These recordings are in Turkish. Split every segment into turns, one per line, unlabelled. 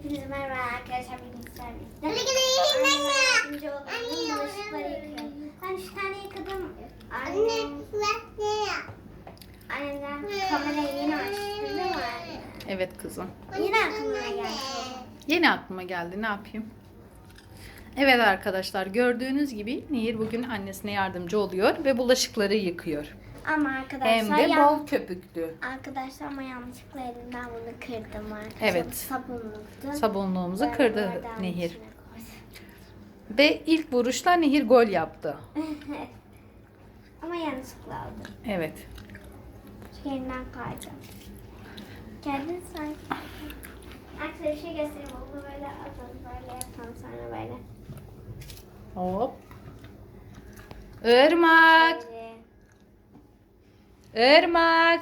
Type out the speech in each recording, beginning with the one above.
Hepinize merhaba arkadaşlar. Bugün sizlerle yardımcı olalım. Bulaşıkları yıkıyorum. Ben 3 tane yıkadım. Annemden kamerayı yeni açtı değil mi anne?
Evet kızım.
Yine aklıma geldi.
Yeni aklıma geldi. Ne yapayım? Evet arkadaşlar, gördüğünüz gibi Nehir bugün annesine yardımcı oluyor ve bulaşıkları yıkıyor.
Ama arkadaşlar
Hem de bol köpüklü.
Arkadaşlar ama yanlışlıkla elimden bunu kırdım arkadaşlar.
Evet.
Sabunluktu.
Sabunluğumuzu
Ben
kırdı
bardağın
Nehir.
içine koydum.
Ve ilk vuruşta Nehir gol yaptı.
Ama yanlışlıkla aldım.
Evet.
Yeniden kayacağım. Geldin sen. Arkadaşlar bir şey göstereyim. Onu böyle atalım. Böyle yapalım sonra böyle.
Hop. Irmak.
Şöyle.
Irmak.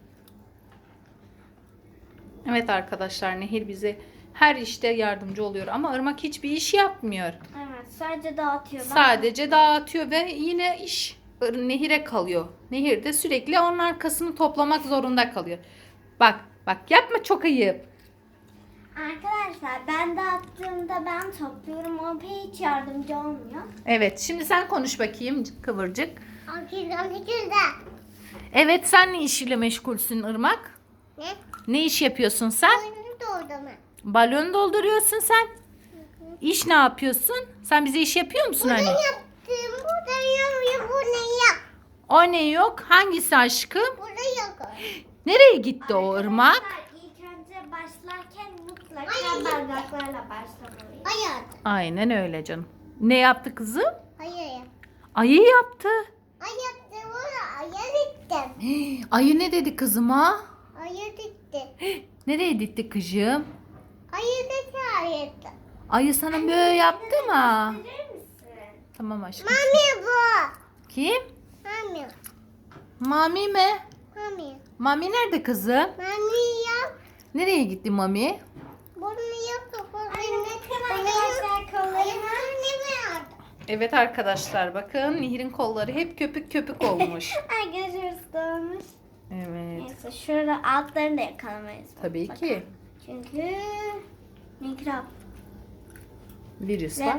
Evet arkadaşlar, Nehir bize her işte yardımcı oluyor ama Irmak hiçbir iş yapmıyor.
Evet, sadece dağıtıyor.
Sadece dağıtıyor ve yine iş Nehir'e kalıyor. Nehir de sürekli onun arkasını toplamak zorunda kalıyor. Bak yapma, çok ayıp.
Arkadaşlar ben dağıttığımda ben topluyorum. O hiç yardımcı olmuyor.
Evet, şimdi sen konuş bakayım Kıvırcık.
Akıldan
Evet, sen ne işle meşgulsün Irmak?
Ne?
Ne iş yapıyorsun sen?
Doldurma.
Balon dolduruyorsun sen. İş ne yapıyorsun? Sen bize iş yapıyor musun anne?
Yaptım. Burada yok. Bu ne yok?
O ne yok? Hangisi aşkım?
Burada yok.
Nereye gitti o Irmak?
İlk önce başlarken mutlaka bardaklarla başlamalıyız. Hayır.
Aynen öyle canım. Ne yaptı kızım?
Hayır.
Ayı yaptı.
Hayır. Ayır ettim.
Ayı ne dedi kızıma?
Ayır etti.
Nereye gitti kızım?
Ayır etti.
Ayı sana böyle yaptı mı?
Verir misin?
Tamam aşkım.
Mami bu.
Kim?
Mami.
Mami mi?
Mami.
Mami nerede kızım?
Mami yap.
Nereye gitti Mami?
Bunu yap. Arkadaşlar kollarıma ne vardı?
Evet arkadaşlar, bakın Nehir'in kolları hep köpük köpük olmuş.
Arkadaşlar ıslanmış.
Evet.
Neyse şurada altlarını da yakalamayız.
Tabii ki.
Çünkü mikrop
Virüs
ve
var.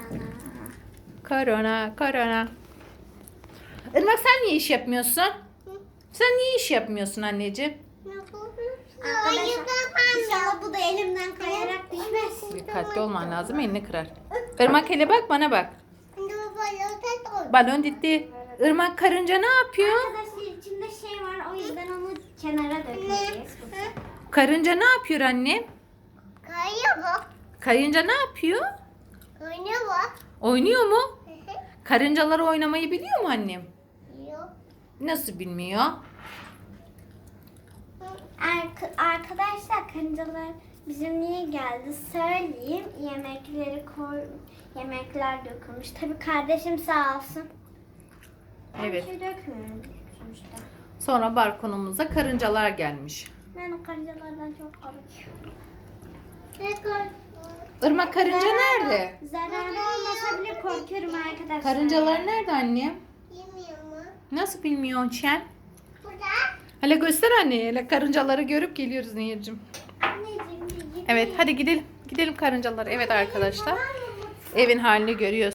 korona.
Korona. Irmak, sen niye iş yapmıyorsun? Sen niye iş yapmıyorsun anneciğim?
Arkadaşlar inşallah bu da elimden kayarak düşmez.
Dikkatli olman lazım, elini kırar. Irmak, hele bak, bana bak. Balon gitti. Irmak, karınca ne yapıyor?
Arkadaşlar içinde şey var, o yüzden onu kenara dökeceğiz.
Karınca ne yapıyor annem?
Kayıyor bu.
Karınca ne yapıyor?
Oynuyor bu.
Oynuyor mu? Karıncalar oynamayı biliyor mu annem?
Yok.
Nasıl bilmiyor?
Arkadaşlar karıncalar bizim niye geldi söyleyeyim. Yemekler dökülmüş. Tabii kardeşim sağ olsun.
Evet.
Bir şey dökmüyorum sonuçta.
Sonra balkonumuza karıncalar gelmiş.
Ben o karıncalardan çok korkuyorum.
Irmak, karınca nerede?
Zararlı olmasa bile korkuyorum arkadaşlar.
Karıncalar nerede annem?
Bilmiyorum.
Nasıl bilmiyorsun sen?
Burada.
Hele göster anneye. Hele karıncaları görüp geliyoruz Nehir'cim.
Anneciğim.
Evet, hadi gidelim. Gidelim karıncalara. Evet arkadaşlar. Evin halini görüyorsunuz.